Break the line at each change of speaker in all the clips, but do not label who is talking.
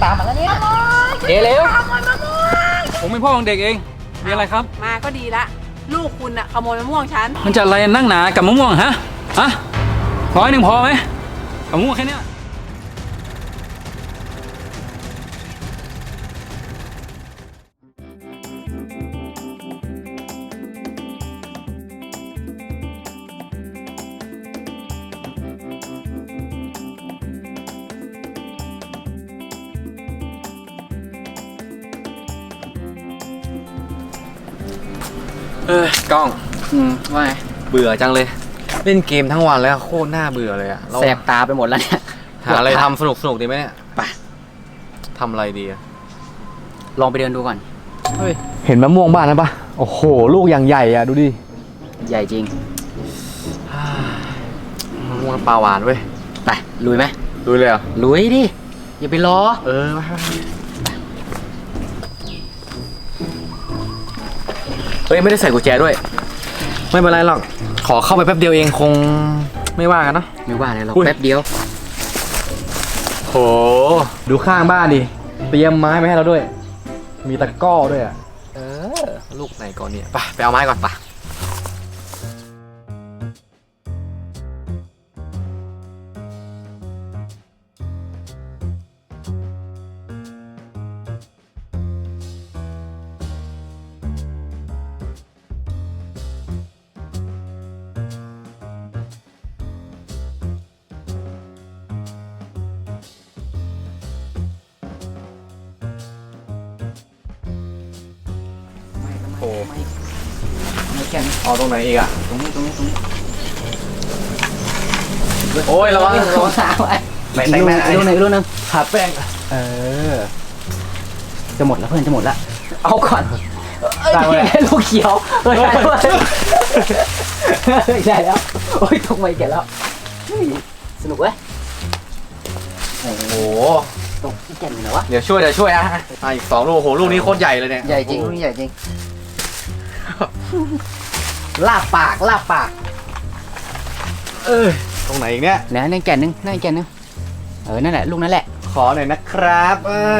ตามมาแล้วเนี่ย
เดี๋ยวเร็ว
ขโมยมะม่วง
ผมเป็นพ่อของเด็กเองมีอะไรครับ
มาก็ดีละลูกคุณอะขโมยมะม่วงฉัน
มันจะอะไรนั่งหนากับมะม่วงฮะ100พอไหมกับมะม่วงแค่นี้
กล้อง
ว่า
เบื่อจังเลยเล่นเกมทั้งวันแล้วโคตรน่าเบื่อเลยอะ
แสบตาไปหมดแล้วเนี่ย
หาอะไรทำสนุกดีไหมเนี่ย
ไป
ทำอะไรดีอะ
ลองไปเดินดูก่อน
เห็นมะม่วงบ้านนั้นปะโอ้โหลูกอย่างใหญ่อะดูดิ
ใหญ่จริง
มะม่วงปลาหวานเว้ย
ไปลุยไหม
ลุยเลยเหรอ
ลุยดิอย่าไปรอ
เฮ้ยไม่ได้ใส่กุญแจด้วยไม่เป็นไรหรอกขอเข้าไปแป๊บเดียวเองคงไม่ว่ากันเนาะ
ไม่ว่าเลยหรอกแป๊บเดียว
โหดูข้างบ้านดิเตรียมไม้มาให้เราด้วยมีตะกร้อด้วยอะลูกไหนก่อนเนี่ยไปเอาไม้ก่อนไปโอ้
ไม่แค่นี้
ตรงไหนอีกอะ
ตรงนี้
โอ้ยระวัง
สาวไอ้ลูกนึง
หาแป้ง
จะหมดแล้วเพื่อนจะหมดแล้วเอาก่อนลูกเขียวใช่แล้วโอ้ยตกไปแก่แล้วสนุกเว้ย
โอ้โห
ตกที่แก่นเลยวะ
เดี๋ยวช่วยอะอีก2 ลูกโหลูกนี้โคตรใหญ่เลยเนี่ย
ใหญ่จริงลูกนี้ใหญ่จริงลาบปาก
ตรงไหนอีกเนี่ย
นั่นแก่นนึงนั่นแหละลูกนั่นแหละ
ขอหน่อยนะครับ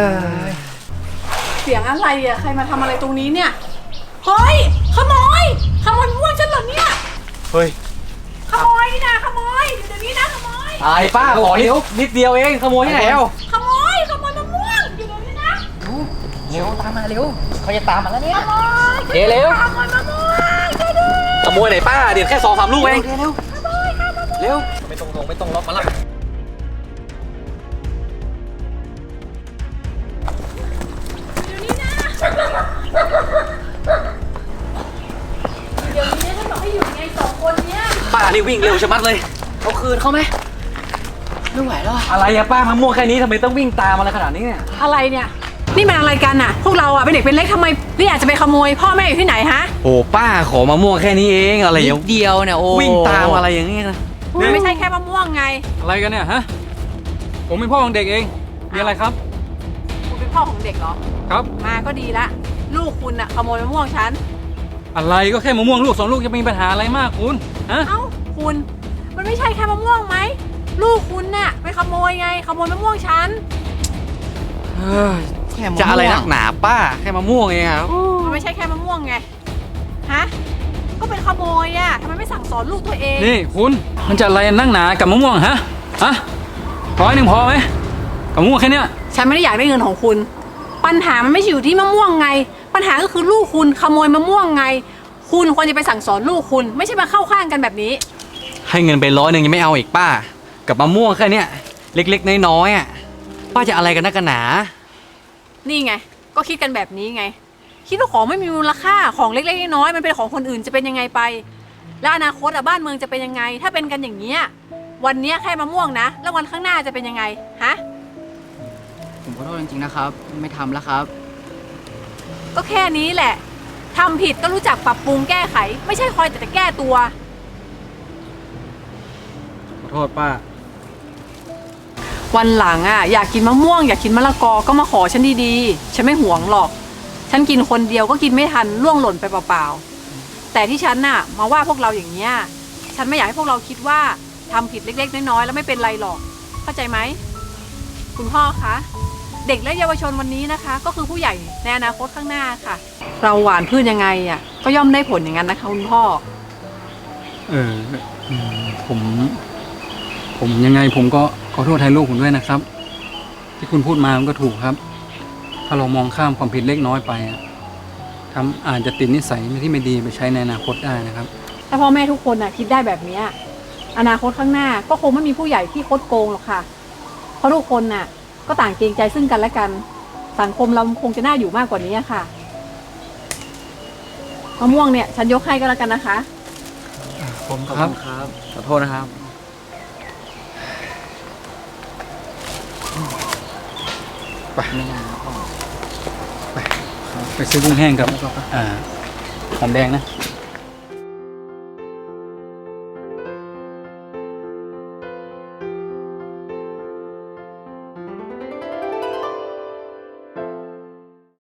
เสียงอะไรอะใครมาทำอะไรตรงนี้เนี่ยเฮ้ยขโมยมะม่วงฉันเหรอเนี่ย
เฮ้ย
ขโมยนี่นะขโมยเดี๋ยวนี้นะขโมย
ไอ้ป้าขอนิดเดียวเองขโมยที่ไหน
ขโมยมะม่วงเดี๋ยวนี้นะ
เร็วตามมาเร็วเขาจะตามมาแล้วเนี่ย
เร็ว
ขโมยมะม่วง
ขโมยไหนป้าเดี๋ยวแค่2-3 ลูกเอง
เร็ว
ไม่ต้องล็อกมาละ
เดี๋ยวนี้ฉันบอกให้อยู่ไง2 คนเนี้ย
ป้านี่วิ่งเร็วชะมัดเลย
เอาคืนเขาไหมไม่ไหวแล้ว
อะไรอะป้ามะม่วงแค่นี้ทำไมต้องวิ่งตามอะไรขนาดนี้เนี่ย
อะไรเนี่ยนี่มันอะไรกันน่ะพวกเราอะเป็นเด็กเป็นเล็กทำไมนี่อาจจะไปขโมยพ่อแม่อยู่ที่ไหนฮะ
โอ้ป้าขอมะม่วงแค่นี้เองอะไร
นิดเดียวเนี่ยโอ้
วิ่งตามอะไรอย่างเงี้ย
มันไม่ใช่แค่มะม่วงไง
อะไรกันเนี่ยฮะผมเป็นพ่อของเด็กเองมีอะไรครับ
คุณเป็นพ่อของเด็กเหรอ
ครับ
มาก็ดีละลูกคุณอะขโมยมะม่วงฉัน
อะไรก็แค่มะม่วงลูก2 ลูกจะมีปัญหาอะไรมากคุณฮะ
คุณมันไม่ใช่แค่มะม่วงไหมลูกคุณน่ะไปขโมยไงขโมยมะม่วงฉัน
จะอะไรนักหนาป้าแค่มะม่วงเองครับ
มันไม่ใช่แค่มะม่วงไงฮะก็เป็นขโมยอะทำไมไม่สั่งสอนลูกตัวเอง
นี่คุณมันจะอะไรนั่งหนากับมะม่วง100พอไหมกับมะม่วงแค่นี้
ฉันไม่ได้อยากได้เงินของคุณปัญหามันไม่อยู่ที่มะม่วงไงปัญหาก็คือลูกคุณขโมยมะม่วงไงคุณควรจะไปสั่งสอนลูกคุณไม่ใช่มาเข้าข้างกันแบบนี้
ให้เงินไป100ยังไม่เอาอีกป้ากับมะม่วงแค่นี้เล็กๆน้อยๆอ่ะป้าจะอะไรกันนักกันหนา
นี่ไงก็คิดกันแบบนี้ไงคิดว่าของไม่มีมูลค่าของเล็กๆน้อยๆมันเป็นของคนอื่นจะเป็นยังไงไปแล้วอนาคตบ้านเมืองจะเป็นยังไงถ้าเป็นกันอย่างนี้วันนี้แค่มะม่วงนะแล้ววันข้างหน้าจะเป็นยังไงฮะ
ผมขอโทษจริงๆนะครับไม่ทำแล้วครับ
ก็แค่นี้แหละทำผิดก็รู้จักปรับปรุงแก้ไขไม่ใช่คอยแต่แก้ตัว
ขอโทษป้า
วันหลังอ่ะอยากกินมะม่วงอยากกินมะละกอก็มาขอฉันดีๆฉันไม่หวงหรอกฉันกินคนเดียวก็กินไม่ทันล่วงหล่นไปเปล่าๆแต่ที่ฉันน่ะมาว่าพวกเราอย่างเนี้ยฉันไม่อยากให้พวกเราคิดว่าทำผิดเล็กๆน้อยๆแล้วไม่เป็นไรหรอกเข้าใจไหมคุณพ่อคะเด็กและเยาวชนวันนี้นะคะ ก็คือผู้ใหญ่ในอนาคตข้างหน้าค่ะ เราหว่านพืชยังไงอ่ะก็ย่อมได้ผลอย่างนั้นนะคะคุณพ่อ
ผมยังไงผมก็ขอโทษแทนลูกผมด้วยนะครับ ที่คุณพูดมามันก็ถูกครับ ถ้าเรามองข้ามความผิดเล็กน้อยไปอะอาจจะติดนิสัยที่ไม่ดีไปใช้ในอนาคตได้นะครับ
ถ้าพ่อแม่ทุกคนน่ะคิดได้แบบเนี้ยอนาคตข้างหน้าก็คงไม่มีผู้ใหญ่ที่คดโกงหรอกค่ะ เพราะทุกคนน่ะก็ต่างเกรงใจซึ่งกันและกัน สังคมเราคงจะน่าอยู่มากกว่านี้ค่ะมะม่วงเนี่ยฉันยกให้ก็แล้วกันนะคะ
ผมขอบคุณครับขอโทษนะครับ
ไปซื้อกุ้งแห้งกับหอมแดงนะ